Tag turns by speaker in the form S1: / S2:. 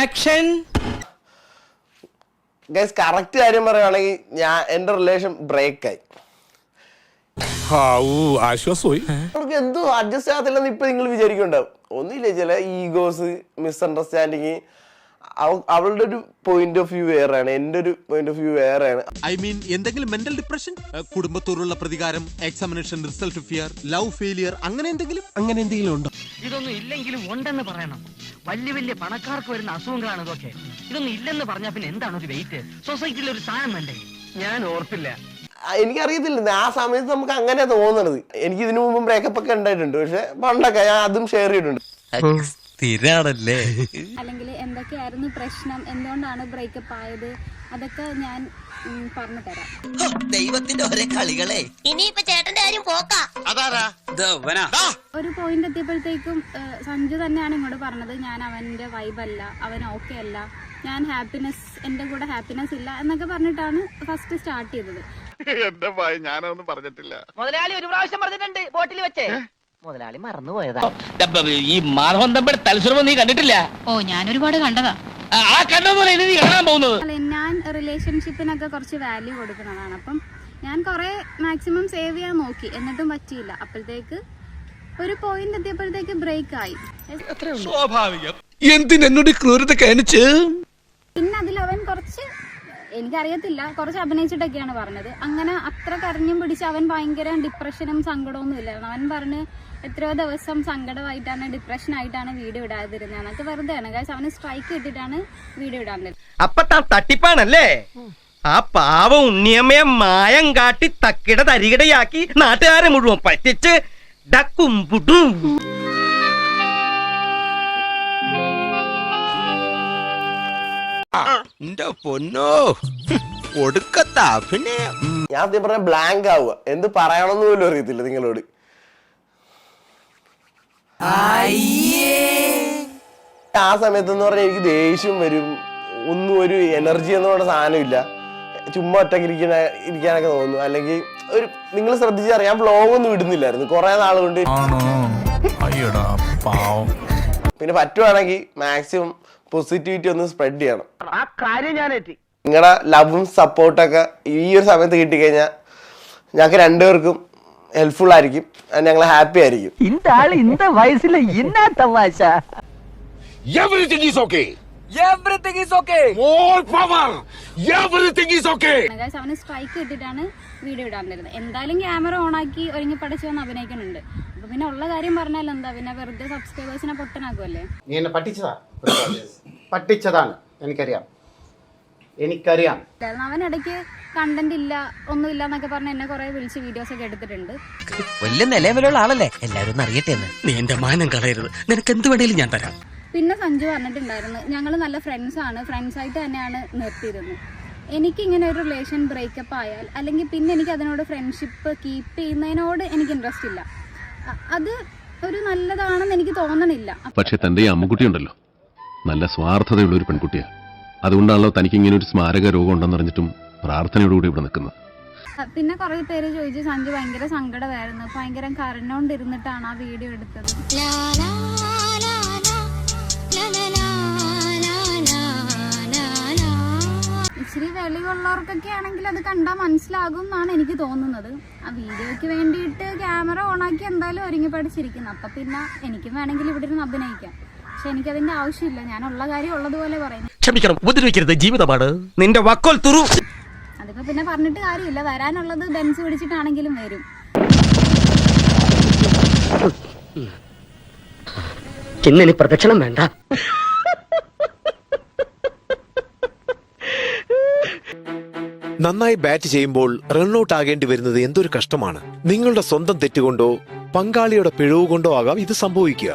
S1: Action.
S2: Guys correct കാര്യം പറയുകയാണെങ്കിൽ എന്റെ റിലേഷൻ ബ്രേക്ക് ആയി.
S3: ആശ്വാസമായി.
S2: നമുക്ക് എന്തോ അഡ്ജസ്റ്റ് ആകത്തില്ലെന്ന് ഇപ്പൊ നിങ്ങൾ വിചാരിക്കുന്നുണ്ടാവും. ഒന്നുമില്ല, ചില ഈഗോസ്, മിസ്അണ്ടർസ്റ്റാൻഡിങ്. അവളുടെ ഒരു പോയിന്റ് ഓഫ് വ്യൂ വേറെയാണ്, എന്റെ ഒരു പോയിന്റ് ഓഫ് വ്യൂ വേറെയാണ്.
S4: ഐ മീൻ എന്തെങ്കിലും മെന്റൽ ഡിപ്രഷൻ, കുടുംബത്തോടുള്ള പ്രതികാരം, examination result fear, love failure, അങ്ങനെ എന്തെങ്കിലും ഉണ്ടോ?
S5: ഇതൊന്നും ഇല്ലെങ്കിലും ഉണ്ടെന്ന് പറയണം. വലിയ വലിയ പണക്കാർക്ക് വരുന്ന അസുഖങ്ങളാണ് ഇതൊക്കെ. ഇതൊന്നും ഇല്ലെന്ന് പറഞ്ഞാൽ പിന്നെ എന്താണ് ഒരു വെയിറ്റ്? സൊസൈറ്റിയിൽ ഒരു സാധനം വേണ്ടേ? ഞാൻ ഓർത്തില്ല.
S2: എനിക്കറിയത്തില്ല, ആ സമയത്ത് നമുക്ക് അങ്ങനെ തോന്നണത്. എനിക്ക് ഇതിനു മുമ്പ് ബ്രേക്കപ്പ് ഒക്കെ ഉണ്ടായിട്ടുണ്ട്, പക്ഷെ പണ്ടൊക്കെ ഞാൻ അതും ഷെയർ ചെയ്തിട്ടുണ്ട്.
S6: അല്ലെങ്കിൽ എന്തൊക്കെയായിരുന്നു പ്രശ്നം, എന്തുകൊണ്ടാണ് ബ്രേക്കപ്പ് ആയത്, അതൊക്കെ ഞാൻ പറഞ്ഞു തരാം.
S7: ദൈവത്തിന്റെ ഒരേ കളികളെ.
S8: ഇനിയിപ്പോ ചേട്ടന്റെ കാര്യം പോക്കാ.
S6: ഒരു പോയിന്റ് എത്തിയപ്പോഴത്തേക്കും സഞ്ജു തന്നെയാണ് ഇങ്ങോട്ട് പറഞ്ഞത്, ഞാൻ അവന്റെ വൈബല്ല, അവൻ ഓക്കെ അല്ല, ഞാൻ ഹാപ്പിനെസ്, എന്റെ കൂടെ ഹാപ്പിനെസ് ഇല്ല എന്നൊക്കെ പറഞ്ഞിട്ടാണ് ഫസ്റ്റ് സ്റ്റാർട്ട് ചെയ്തത്.
S3: എന്റെ ഭയ ഞാനൊന്നും പറഞ്ഞിട്ടില്ല.
S5: മുതലാളി ഒരു പ്രാവശ്യം പറഞ്ഞിട്ടുണ്ട് ബോട്ടിൽ വെച്ചേ. മുതലാളി മറന്നുപോയതാ.
S1: ഈ മാധവൻ തമ്പിയുടെ തലസ്വരം നീ കണ്ടിട്ടില്ല?
S8: ഓ ഞാൻ ഒരുപാട് കണ്ടതാ.
S1: ആ കണ്ടോന്നല്ല ഇനി നീ കാണാൻ പോകുന്നത്.
S6: ഞാൻ റിലേഷൻഷിപ്പിനൊക്കെ കുറച്ച് വാല്യൂ കൊടുക്കുന്നതാണ്. അപ്പം ഞാൻ കുറെ മാക്സിമം സേവ് ചെയ്യാൻ നോക്കി, എന്നിട്ടും പറ്റിയില്ല. അപ്പോഴത്തേക്ക് ഒരു പോയിന്റ് എത്തിയപ്പോഴത്തേക്ക് ബ്രേക്ക് ആയി.
S3: സ്വാഭാവികം. എന്തിനോട് ക്രൂരത കാണിച്ച്?
S6: പിന്നെ അതിലവൻ കുറച്ച്, എനിക്കറിയത്തില്ല, കുറച്ച് അഭിനയിച്ചിട്ടൊക്കെയാണ് പറഞ്ഞത്. അങ്ങനെ അത്ര കരഞ്ഞും പിടിച്ച് അവൻ ഭയങ്കര ഡിപ്രഷനും സങ്കടമൊന്നും ഇല്ലായിരുന്നു. അവൻ പറഞ്ഞ് എത്രയോ ദിവസം സങ്കടമായിട്ടാണ്, ഡിപ്രഷൻ ആയിട്ടാണ് വീഡിയോ ഇടാതിരുന്നത് എന്നൊക്കെ വെറുതെയാണ്. കാശ് അവന് സ്ട്രൈക്ക് കിട്ടിയിട്ടാണ് വീഡിയോ ഇടാൻ.
S5: അപ്പൊ താൻ തട്ടിപ്പാണല്ലേ? ആ പാവം ഉണ്ണിയമ്മയെ മായം കാട്ടി തക്കിട തരികിടയാക്കി നാട്ടുകാരെ മുഴുവൻ പറ്റിച്ച് ഡക്കും പുട്ടും.
S4: പൊന്നോ ഒടുക്കത്ത അഭിനയം.
S2: ഞാൻ ആദ്യം പറഞ്ഞ ബ്ലാങ്ക് ആവുക, എന്ത് പറയണമെന്ന് പോലും അറിയത്തില്ല നിങ്ങളോട്. ആ സമയത്ത് എന്ന് പറഞ്ഞാൽ എനിക്ക് ദേഷ്യം വരും, ഒന്നും ഒരു എനർജി എന്ന് പറഞ്ഞ സാധനമില്ല. ചുമ്മാ ഒറ്റയ്ക്ക് ഇരിക്കാനൊക്കെ തോന്നുന്നു. അല്ലെങ്കിൽ ഒരു, നിങ്ങൾ ശ്രദ്ധിച്ചറിയാം, വ്ളോഗ് ഒന്നും ഇടുന്നില്ലായിരുന്നു കുറെ നാൾ കൊണ്ട്. പിന്നെ പറ്റുവാണെങ്കിൽ മാക്സിമം പോസിറ്റിവിറ്റി ഒന്ന് സ്പ്രെഡ് ചെയ്യണം.
S5: ആ കാര്യം ഞാൻ എത്തി.
S2: നിങ്ങളുടെ ലവും സപ്പോർട്ടൊക്കെ ഈ ഒരു സമയത്ത് കിട്ടിക്കഴിഞ്ഞാൽ ഞങ്ങൾക്ക് രണ്ടുപേർക്കും ഹെൽപ്ഫുൾ ആയിരിക്കും, ഞങ്ങൾ ഹാപ്പി ആയിരിക്കും.
S5: இந்த ஆளு இந்த வயசுல என்ன தமாஷா?
S3: Everything is okay.
S5: Everything is okay.
S3: More power. Everything is okay.
S6: കാശ് അവന് സ്ട്രൈക്ക് കിട്ടിയിട്ടാണ് വീഡിയോ ഇടാൻ തരുന്നത്. എന്തായാലും ക്യാമറ ഓണാക്കി ഒരുങ്ങി പഠിച്ചു വന്ന് അഭിനയിക്കുന്നുണ്ട്. അപ്പൊ പിന്നെ ഉള്ള കാര്യം പറഞ്ഞാൽ എന്താ, പിന്നെ വെറുതെ സബ്സ്ക്രൈബേഴ്സിനെ പൊട്ടനാക്കുമല്ലേ.
S9: നീ എന്നെ പറ്റിച്ചതാണ്, എനിക്കറിയാം.
S6: അവൻ ഇടയ്ക്ക് കണ്ടന്റ് ഇല്ല, ഒന്നുമില്ല എന്നൊക്കെ പറഞ്ഞ് എന്നെ കുറെ വിളിച്ച് വീഡിയോസ് ഒക്കെ എടുത്തിട്ടുണ്ട്.
S7: വലിയ നിലവിലുള്ള ആളല്ലേ, എല്ലാരും ഒന്ന് അറിയട്ടെ എന്ന്.
S1: നീ എന്റെ മാനം കളയരുത്, നിനക്ക് എന്ത് വേണേലും ഞാൻ തരാം.
S6: പിന്നെ സഞ്ജു പറഞ്ഞിട്ടുണ്ടായിരുന്നു, ഞങ്ങൾ നല്ല ഫ്രണ്ട്സാണ്, ഫ്രണ്ട്സായിട്ട് തന്നെയാണ് നിർത്തിയിരുന്നത്. എനിക്കിങ്ങനെ ഒരു റിലേഷൻ ബ്രേക്കപ്പ് ആയാൽ, അല്ലെങ്കിൽ പിന്നെ എനിക്ക് അതിനോട് ഫ്രണ്ട്ഷിപ്പ് കീപ്പ് ചെയ്യുന്നതിനോട് എനിക്ക് ഇൻട്രസ്റ്റ് ഇല്ല. അത് ഒരു നല്ലതാണെന്ന് എനിക്ക് തോന്നണില്ല.
S10: പക്ഷെ തന്റെ ഈ അമ്മുക്കുട്ടി ഉണ്ടല്ലോ, നല്ല സ്വാർത്ഥതയുള്ള ഒരു പെൺകുട്ടിയാ. അതുകൊണ്ടാണല്ലോ തനിക്ക് ഇങ്ങനെ ഒരു സ്മാരക രോഗം ഉണ്ടെന്നറിഞ്ഞിട്ടും പ്രാർത്ഥനയോടുകൂടി ഇവിടെ നിൽക്കുന്നത്.
S6: പിന്നെ കുറെ പേര് ചോദിച്ചു, സഞ്ജു ഭയങ്കര സങ്കടമായിരുന്നു, ഭയങ്കര കരഞ്ഞോണ്ടിരുന്നിട്ടാണ് ആ വീഡിയോ എടുത്തത്. ഇച്ചിരി വെളിവുള്ളവർക്കൊക്കെ ആണെങ്കിൽ അത് കണ്ടാൽ മനസ്സിലാകും എന്നാണ് എനിക്ക് തോന്നുന്നത്. ആ വീഡിയോയ്ക്ക് വേണ്ടിയിട്ട് ക്യാമറ ഓണാക്കി എന്തായാലും ഒരുങ്ങി പഠിച്ചിരിക്കുന്നു. അപ്പൊ പിന്നെ എനിക്കും വേണമെങ്കിൽ ഇവിടെ ഇരുന്ന് അഭിനയിക്കാം. പക്ഷെ എനിക്കതിന്റെ ആവശ്യമില്ല, ഞാനുള്ള കാര്യം ഉള്ളതുപോലെ പറയുന്നു.
S1: ക്ഷമിക്കണം, ഉപദ്രവിക്കരുത്, ജീവിതമാണ്. നിന്റെ വക്കോൽ തുറു.
S6: അതിപ്പോ പിന്നെ പറഞ്ഞിട്ട് കാര്യമില്ല, വരാനുള്ളത് ബെൻസ് പിടിച്ചിട്ടാണെങ്കിലും വരും.
S5: ഇന്നിനി പ്രദക്ഷിണം വേണ്ട.
S11: നന്നായി ബാറ്റ് ചെയ്യുമ്പോൾ റൺഔട്ട് ആകേണ്ടി വരുന്നത് എന്തൊരു കഷ്ടമാണ്. നിങ്ങളുടെ സ്വന്തം തെറ്റുകൊണ്ടോ പങ്കാളിയുടെ പിഴവ് കൊണ്ടോ ആകാം ഇത് സംഭവിക്കുക.